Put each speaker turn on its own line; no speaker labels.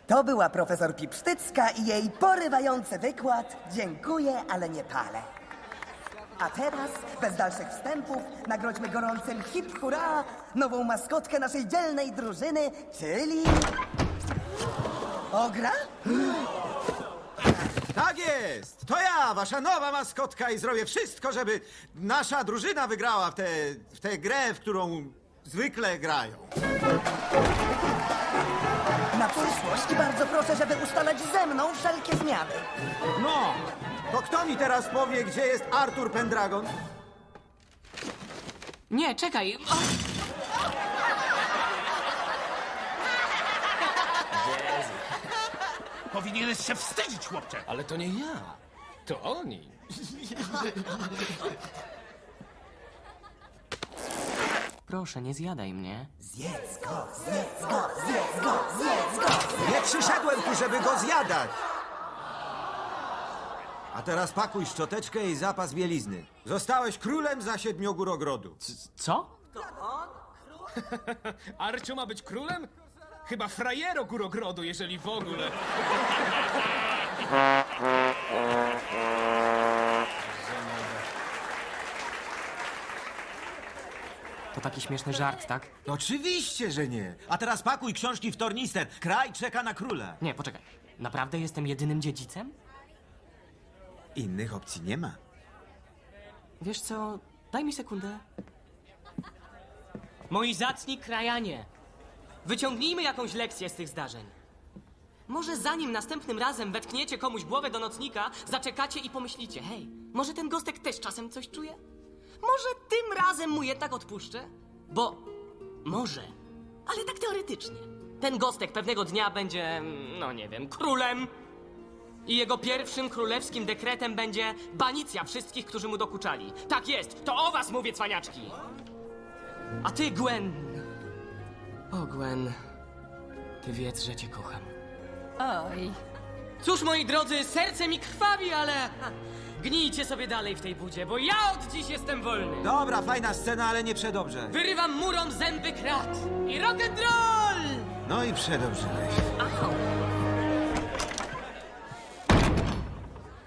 To była profesor Pipsztycka i jej porywający wykład. Dziękuję, ale nie palę. A teraz, bez dalszych wstępów, nagrodźmy gorącym hip hurra nową maskotkę naszej dzielnej drużyny, czyli... Ogra?
Tak jest! To ja, wasza nowa maskotka i zrobię wszystko, żeby nasza drużyna wygrała w tę grę, w którą zwykle grają.
Na przyszłość bardzo proszę, żeby ustalać ze mną wszelkie zmiany.
No, to kto mi teraz powie, gdzie jest Artur Pendragon?
Nie, czekaj. O!
Powinieneś się wstydzić, chłopcze!
Ale to nie ja. To oni.
Proszę, nie zjadaj mnie.
Zjedz go, zjedz go, zjedz go, zjedz go!
Nie przyszedłem tu, żeby go zjadać! A teraz pakuj szczoteczkę i zapas bielizny. Zostałeś królem za 7 gór ogrodu.
Co?
Arcio ma być królem? Chyba frajero górogrodu, jeżeli w ogóle.
To taki śmieszny żart, tak?
Oczywiście, że nie. A teraz pakuj książki w tornister. Kraj czeka na króla.
Nie, poczekaj. Naprawdę jestem jedynym dziedzicem?
Innych opcji nie ma.
Wiesz co? Daj mi sekundę. Moi zacni krajanie, wyciągnijmy jakąś lekcję z tych zdarzeń. Może zanim następnym razem wetkniecie komuś głowę do nocnika, zaczekacie i pomyślicie, hej, może ten gostek też czasem coś czuje? Może tym razem mu jednak odpuszczę? Bo może, ale tak teoretycznie. Ten gostek pewnego dnia będzie, no nie wiem, królem. I jego pierwszym królewskim dekretem będzie banicja wszystkich, którzy mu dokuczali. Tak jest, to o was mówię, cwaniaczki. A ty, Gwen... O, Gwen... Ty wiedz, że cię kocham.
Oj,
Cóż, moi drodzy, serce mi krwawi, ale... Gnijcie sobie dalej w tej budzie, bo ja od dziś jestem wolny.
Dobra, fajna scena, ale nie przedobrze.
Wyrywam murom zęby krat. I rock'n'roll!
No i przedobrzyłeś.
Au!